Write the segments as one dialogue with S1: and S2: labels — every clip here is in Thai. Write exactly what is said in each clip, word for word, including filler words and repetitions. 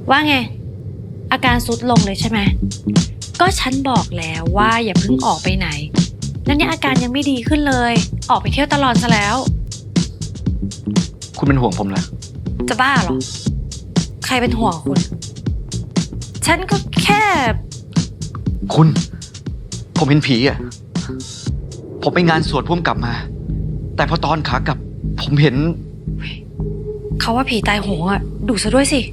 S1: ว่าไงอาการทรุดลงเลยใช่ไหมก็ฉันบอกแล้วว่าอย่าเพิ่งออกไปไหนแล้วเนี่ยอาการยังไม่ดีขึ้นเลยออกไปเที่ยวตลอดซะแล้ว
S2: คุณเป็นห่วงผมเหรอ
S1: จะบ้าเหรอใครเป็นห่วงคุณฉันก็แค่
S2: คุณผมเห็นผีอ่ะผมไปงานสวดพุ่มกลับมาแต่พอตอนขากลับผมเห็น
S1: เขาว่าผีตายโหงอ่ะดูซะด้วยสิ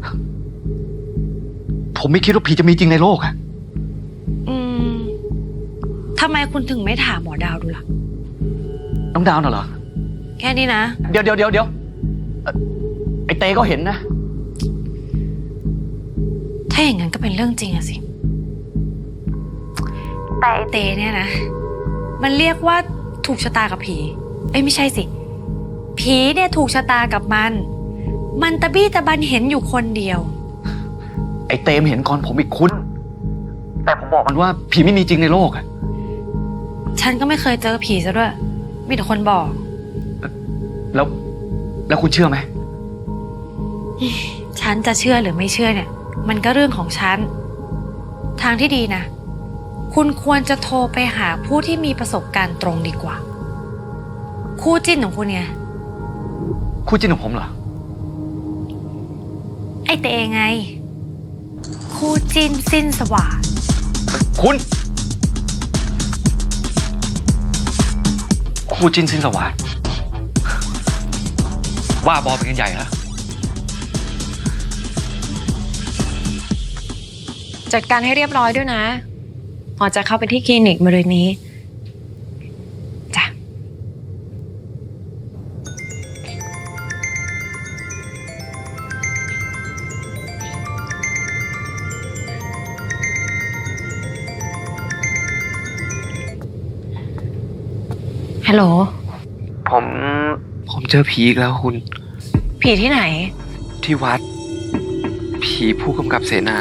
S2: ผมไม่คิดว่าผีจะมีจริงในโลกอ่ะ
S1: อืมทำไมคุณถึงไม่ถามหมอดาวดูล่ะ
S2: น้องดาวน่ะเหรอ
S1: แค่นี้นะ
S2: เดี๋ยวเดี๋ยวเดี๋ยวเดี๋ยวไอเต้ก็เห็นนะ
S1: ถ้าอย่างนั้นก็เป็นเรื่องจริงอะสิแต่ไอเต้เนี่ยนะมันเรียกว่าถูกชะตากับผีเอ้ยไม่ใช่สิผีเนี่ยถูกชะตากับมันมันตะบี้ตะบันเห็นอยู่คนเดียว
S2: ไอ้เต้มเห็นก่อนผมอีกคุณแต่ผมบอกมันว่าผีไม่มีจริงในโลกอะ
S1: ฉันก็ไม่เคยเจอผีซะด้วยมีแต่คนบอก
S2: แล้วแล้วคุณเชื่อไหม
S1: ฉันจะเชื่อหรือไม่เชื่อเนี่ยมันก็เรื่องของฉันทางที่ดีนะคุณควรจะโทรไปหาผู้ที่มีประสบการณ์ตรงดีกว่าคู่จิ้นของคุณไง
S2: คู่จิ้นของผมเหรอ
S1: ไอ้เตงไงคู่จิ้นสิ้นสว่าง
S2: คุณคู่จิ้นสิ้นสว่างว่าบอเป็นกันใหญ่ฮะ
S3: จัดการให้เรียบร้อยด้วยนะหมอจะเข้าไปที่คลินิกมะรืนนี้จ้ะฮัลโหล
S2: ผมผมเจอผีอีกแล้วคุณ
S3: ผีที่ไหน
S2: ที่วัดผีผู้กำกับเสนา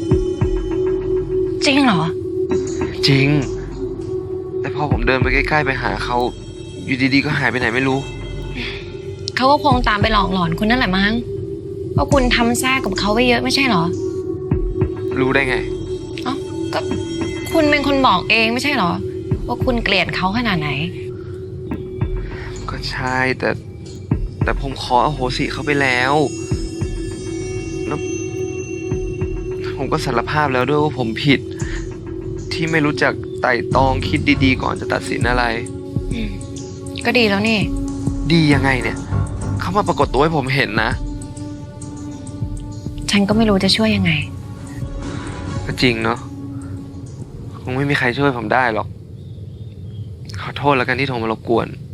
S3: จริงเหรอ
S2: จริงแต่พอผมเดินไปใกล้ๆไปหาเขาอยู่ดีๆก็หายไปไหนไม่รู้
S3: เขาก็คงตามไปหลอกหลอนคุณนั่นแหละมั้งเพราะคุณทำแท้กับเขาไว้เยอะไม่ใช่เหรอ
S2: รู้ได้ไง
S3: อ๋อก็คุณเป็นคนบอกเองไม่ใช่เหรอว่าคุณเกลียดเขาขนาดไหน
S2: ก็ใช่แต่แต่ผมขออโหสิเขาไปแล้วแล้วผมก็สารภาพแล้วด้วยว่าผมผิดที่ไม่รู้จักไต่ตองคิดดีๆก่อนจะตัดสินอะไร
S3: อืมก็ดีแล้วนี่
S2: ดียังไงเนี่ยเขามาปรากฏตัวให้ผมเห็นนะ
S3: ฉันก็ไม่รู้จะช่วยยังไง
S2: ก็จริงเนาะคงไม่มีใครช่วยผมได้หรอกขอโทษแล้วกันที่โทรมารบกวน